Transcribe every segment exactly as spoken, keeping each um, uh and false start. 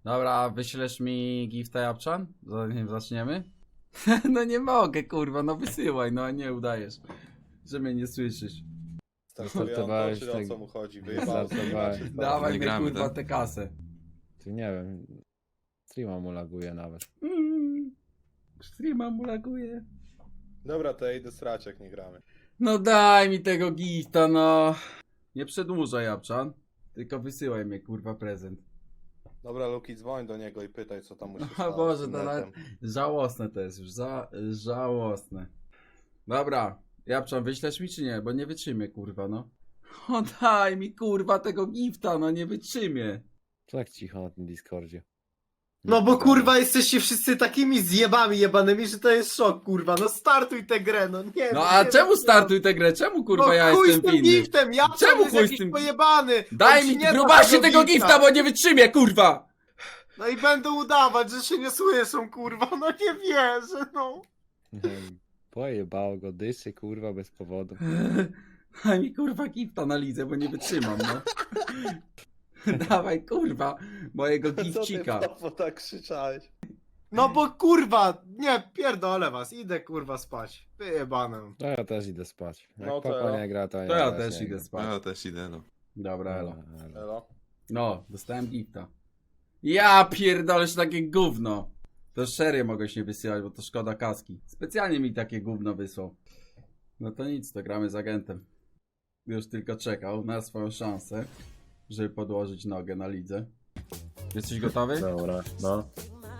Dobra, wyślesz mi gifta Japczan? Zanim zaczniemy? No nie mogę, kurwa, no wysyłaj, no a nie udajesz, że mnie nie słyszysz. Startowałeś Czy o tak- co mu chodzi? Wyjebało Startowałeś. się. Dawaj nie mi gramy, kurwa tak? tę kasę. Ty nie wiem. Streama mu laguje nawet. Mm, streama mu laguje. Dobra, to ja idę srać, jak nie gramy. No daj mi tego gifta, no. Nie przedłużaj Japczan, tylko wysyłaj mnie kurwa prezent. Dobra, Luki, dzwoń do niego i pytaj, co tam mu się O stało. Boże, z tym to nawet netem. żałosne to jest już, za, żałosne. Dobra, Japczan, wyślesz mi czy nie? Bo nie wytrzymię, kurwa, no. O daj mi, kurwa, tego gifta, no nie wytrzymię. Tak cicho na tym Discordzie. No bo kurwa jesteście wszyscy takimi zjebami jebanymi, że to jest szok, kurwa. No startuj tę grę, no nie. No no, a nie czemu wiem, startuj tę grę? Czemu, kurwa, no, ja chuj jestem z tym winny? giftem, ja Czemu jest chuj z jakiś tym- pojebany. Daj On ci mi, nie da grubasie tego gifta, bo nie wytrzymię, kurwa! No i będą udawać, że się nie słyszą, kurwa, no nie wierzę, no. Pojebało go, dyszy kurwa bez powodu. Daj mi, kurwa, gifta na lidze, bo nie wytrzymam, no. Dawaj, kurwa, mojego Co ty, gifcika. papo, tak krzyczałeś? No bo kurwa, nie, pierdolę was, idę kurwa spać. Wyjebane. No ja też idę spać. Jak No to papa ja. nie gra, to, To ja też też nie idę gram. spać. Ja też idę, no. Dobra, elo. No, ale- Elo? No, dostałem gifta. Ja pierdolę się takie gówno. To serio mogę się nie wysyłać, bo to szkoda kaski. Specjalnie mi takie gówno wysłał. No to nic, to gramy z agentem. Już tylko czekał na swoją szansę, żeby podłożyć nogę na lidze. Jesteś gotowy? Dobra, no.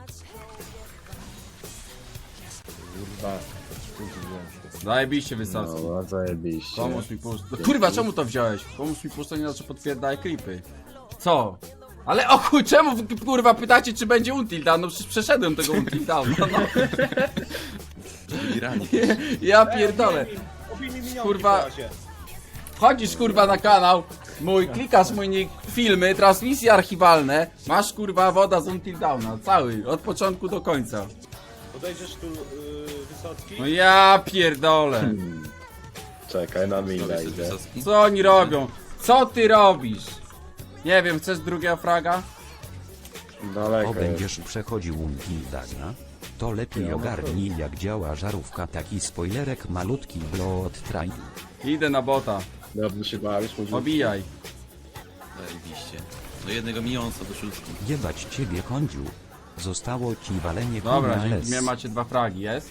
Kurwa, spóźniłem się. Zajebiście wysadzki. Dobra, zajebiście. Pomóż mi puszczać. No, kurwa, czemu to wziąłeś? Pomóż mi puszczać, inaczej potwierdzaj klipy. Co? Ale o chuj, czemu wy, kurwa pytacie, czy będzie Until Dawn? No przecież przeszedłem tego Until Dawn. No, no. Grani. Ja pierdolę. Kurwa. Wchodzisz kurwa na kanał mój, klikasz mój nick, filmy, transmisje archiwalne, masz kurwa woda z Until Dawna, cały, od początku do końca. Podejdziesz tu, yy, Wysocki? No ja pierdolę. Czekaj, na Robisz minę coś idę. Wysocki? Co oni robią? Co ty robisz? Nie wiem, chcesz drugiego fraga? Daleko O, jest. będziesz przechodził Until to lepiej ogarnij jak działa żarówka, taki spoilerek malutki blood train. Idę na bota, Dobrze się bawisz, mówisz? obijaj. Zajebiście. Do jednego milionca do szóstki. Jebać ciebie kądziu. Zostało ci walenie Dobra, konia dzięki les. mnie macie dwa fragi, jest?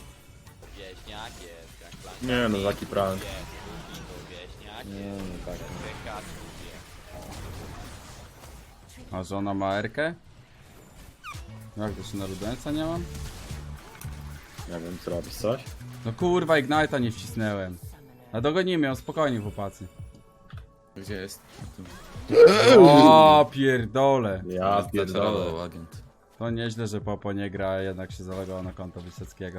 Nie no, taki prank. Nie, no tak. A żona ma erkę? Jak to się na rudenca nie mam? Nie wiem, co robisz, coś? No kurwa, Ignite'a nie wcisnęłem. A dogonimy ją, spokojnie chłopacy. Gdzie jest? Tu. O pierdole. Ja Zaczarował pierdolę. agent. To nieźle, że Popo nie gra, a jednak się zalogował na konto Wysockiego.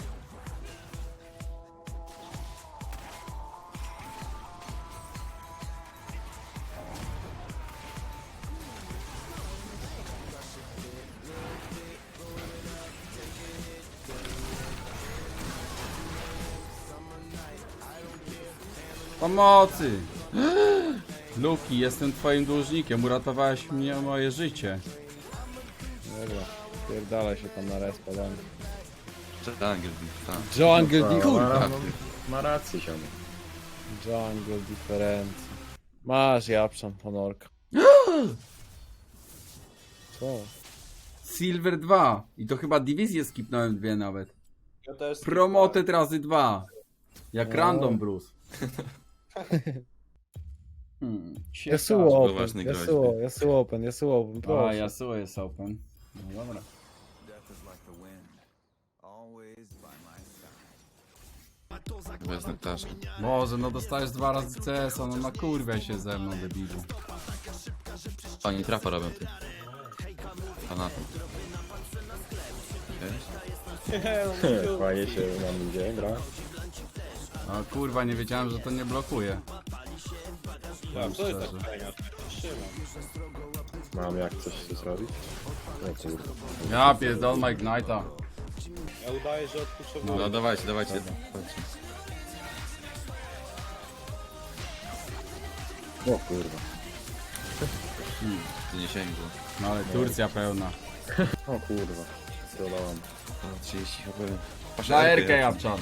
Pomocy! Luki, jestem twoim dłużnikiem, uratowałeś mnie moje życie. Dobra, pierdalaj się tam na respa, dam. Jungle, tak. Jungle No, kurwa! no, ma rację, się. Jungle diferencji. Masz Japszan, honorka. Co? Silver dwa. I to chyba dywizję skipnąłem dwie nawet. Ja też Promoted razy dwa. Jak O. Random Bruce. Hmm. Yasuo Był open, ważny groźby. Yasuo, Yasuo open, Yasuo open, A, proszę. Yasuo jest open. No dobra. Bez nektarza. Boże, no dostajesz dwa razy C S a, no na kurwę się ze mną, debilu. Oni trapa robią ty. Fanatem. Wiesz? Fajnie się nam idzie, gra. A kurwa, nie wiedziałem, że to nie blokuje. Ja, Powiem co jest szczerze. tak fajnie? Trzymam. Mam jak coś tu zrobić? No kurde. Ja pierdol ma Ignite'a. Ja udaję, że odpuszczę. No dawajcie, dawajcie. Chodźcie. O kurwa. Tu nie sięgło. No ale Turcja pełna. O kurwa. Dodałam. O, trzydzieści H P. Patrz, Na Erkę Erkę jak- Japczan.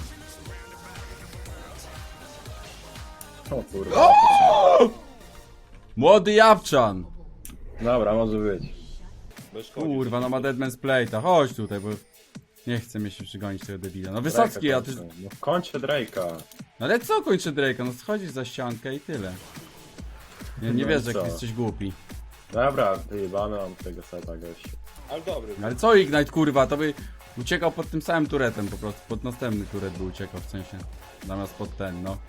O kurwa. Młody Japczan! Dobra, może być. Bez szkodzi. Kurwa, no ma Deadman's Plate'a. Chodź tutaj, bo nie chce mi się przygonić tego debila. No Wysocki, Drake'a a ty... kończę. No kończę Drake'a. No ale co kończy Drake'a? No schodzisz za ściankę i tyle. Nie, nie No wiesz, i jak co? jesteś głupi. Dobra, wyjebane mam tego seta gościu. Ale dobry. No ale co Ignite, kurwa, to by uciekał pod tym samym turetem po prostu. Pod następny turet by uciekał, w sensie. Zamiast pod ten, no.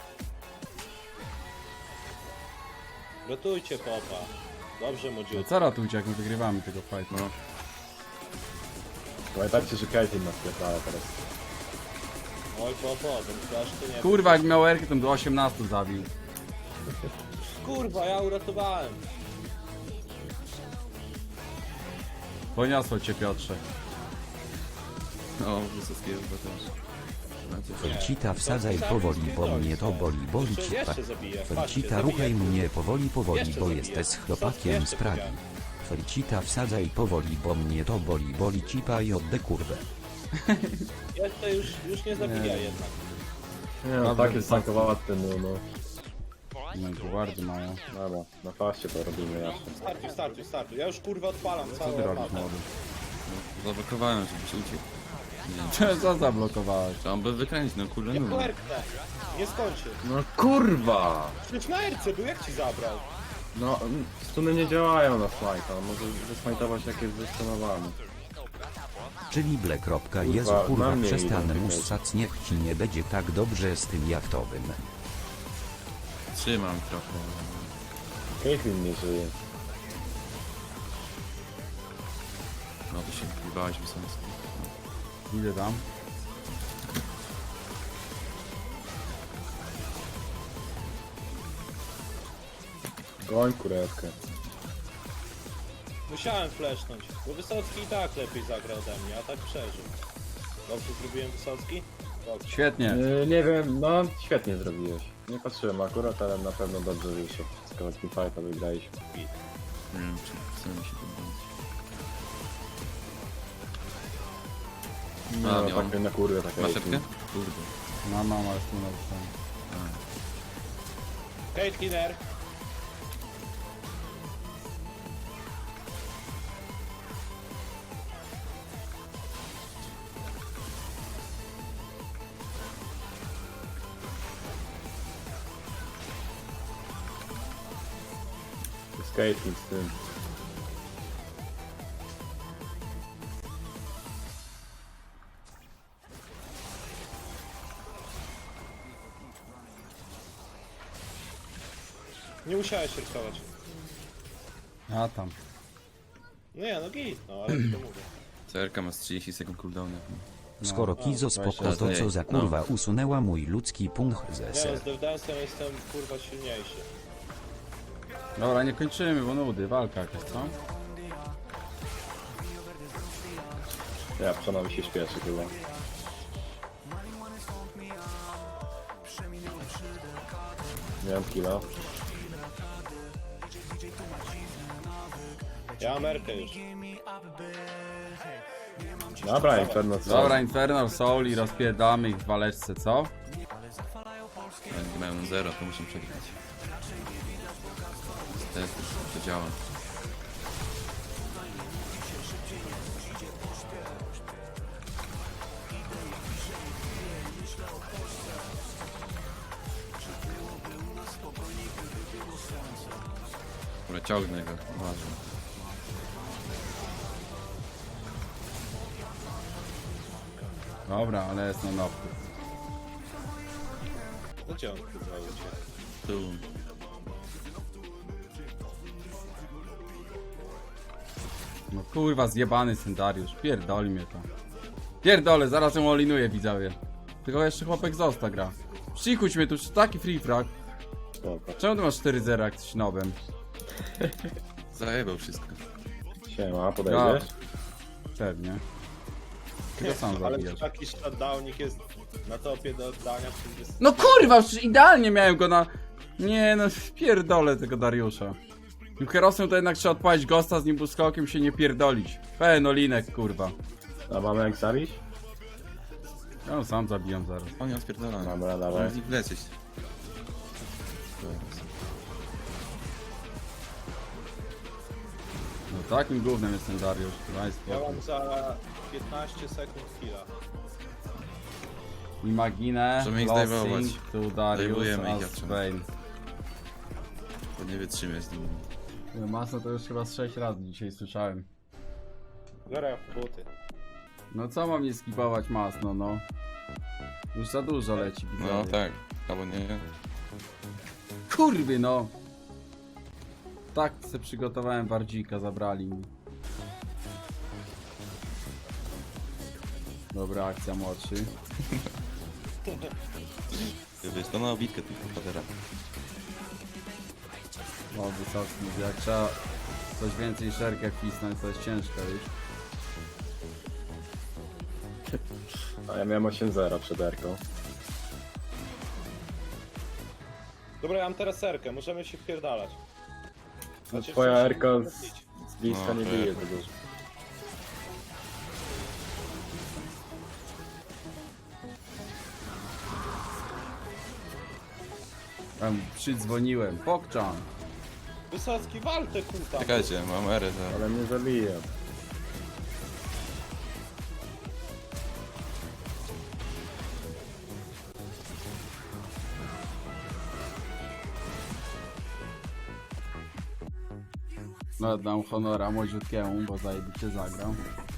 Rotujcie popa. Dobrze, No młodziutko. co ratujcie, jak my wygrywamy tego fightu? No. Pamiętajcie, że Caitlyn nas pierdala teraz. Oj, popo, ten flash to nie... Kurwa, jak miał Erkę, to do osiemnastu zabił. Kurwa, ja uratowałem. Poniosło cię, Piotrze. No, Wysockiego chyba też. No, coś- Felcita wsadzaj powoli, bo mnie to boli, boli Jeszcze, cipa. jeszcze zabiję. Patrzcie, Felcita zabiję. ruchaj mnie powoli, powoli, Jeszcze bo zabiję. jesteś Co? chłopakiem Jeszcze z Pragi. powiedziałem. Felcita wsadzaj powoli, bo mnie to boli, boli cipa i odde kurwę. Jeszcze już, już nie zabija Nie. jednak. Nie no, Dobra, tak jest Wysocki. tankowaty, no no. No, guardy mają. Dobra, na faście to robimy jasne. Startuj, startuj, startuj. Ja już kurwa odpalam Co całą ty robisz, mapę. młody? Zablokowałem, żebyś uciekł. Nie wiem, Co zablokowałeś? trzeba by wykręcić, no kurde, Jak no. puerkę. Nie skończy. No kurwa! Przecież na erce był, jak ci zabrał? No, stuny nie działają na smajta, on może wysmajtować jak jest wystunowany. Czyli ble. Jezu Kurwa, kurwa na mnie przestanę idą mus tutaj. sac, niech ci nie będzie tak dobrze z tym jachtowym. Trzymam trochę. Caitlyn nie żyje. No to się wybałeś Wysocki. Idę tam. Goń kurewkę. Musiałem flashnąć, bo Wysocki i tak lepiej zagrał ode mnie, a tak przeżył. Dobrze zrobiłem Wysocki? Dobrze. Świetnie. Yy, nie wiem, no świetnie zrobiłeś. Nie patrzyłem akurat, ale na pewno dobrze wyszło. Z kawałki fighta wygraliśmy. Nie wiem, czy chce mi się podbawić. No, A, no miałem. tak na kurwę tak Masz setkę? Kurde. Mam, mam, ale tu napisałem. Caitlyn R. Z Caitlyn z tym. Nie musiałeś rysować. A tam. Nie, no git, no ale to mówię. C R K ma z trzydzieści sekund cooldowna. Skoro No, Kizo spoko, to co za kurwa usunęła mój ludzki punkt ze Ja ser. z Devdansem jestem kurwa silniejszy. Dobra, nie kończymy, bo nudy, walka jakaś, co? Ja przynajmniej się śpieszy chyba. Miałem killa. Ja mam erkę już. Dobra, Inferno co? Dobra, Infernal Soul i rozpierdamy ich w waleczce, co? Jak nie mają zero, to muszę przegrać. Niestety, to działa. Dobra, ciągnę go, uważaj. Dobra, ale jest na nowku. No gdzie on kurwa uciekł? Tu. No kurwa, zjebany Syndariusz, pierdoli mnie to. Pierdolę, zaraz ją olinuję, widzowie. Tylko jeszcze chłopek zosta gra. Przykuć mnie tu, czy taki free frag. Spoko. Czemu ty masz cztery zero jak jesteś nowym? Zajebał wszystko. Siema, podejdziesz? Pewnie. Ty go sam Ale zabijasz. taki shutdownik jest na topie do oddania, przecież jest... No kurwa, przecież idealnie miałem go na... Nie no, pierdolę tego Dariusza. Tym Herosem to jednak trzeba odpalić Ghosta z nim buskokiem, się nie pierdolić. Fenolinek, kurwa. A mamy jak zabić? Ja ją sam zabijam zaraz. O nie, odpierdolony. Dobra, dawaj. Możemy z nich wlecieć. No takim gównem jest ten Dariusz. Daj Ja spokój. mam za piętnaście sekund chwila. Imaginę, Możemy ich Lossing, zdejmować. tu Dariusz, Zdejmujemy a ich, jak trzeba. Spain. To nie wytrzymie z nim. Masno to już chyba z sześć razy dzisiaj słyszałem. Biorę w buty. No co mam nie skipować Masno, no? Już za dużo leci, No widzowie. tak, albo nie. Kurwy no! Tak se przygotowałem bardzika, zabrali mi. Dobra, akcja młodszy. Ty wiesz, to na obitkę tylko patera. O, wysoki, mówię, jak trzeba coś więcej szerkę wcisnąć, to jest ciężko już. A ja miałem osiem zero przed Erką. Dobra, ja mam teraz serkę, możemy się wpierdalać. No Znaczy, twoja w sensie Erka możemy z, bić. z bliska No, nie tak. bije za dużo. Tam przydzwoniłem. Pokczam! Wysocki, wal te kuta. Czekajcie, mam erę za... Ale mnie zabije. No, dam honora młodziutkiemu, bo zajebiście zagrał.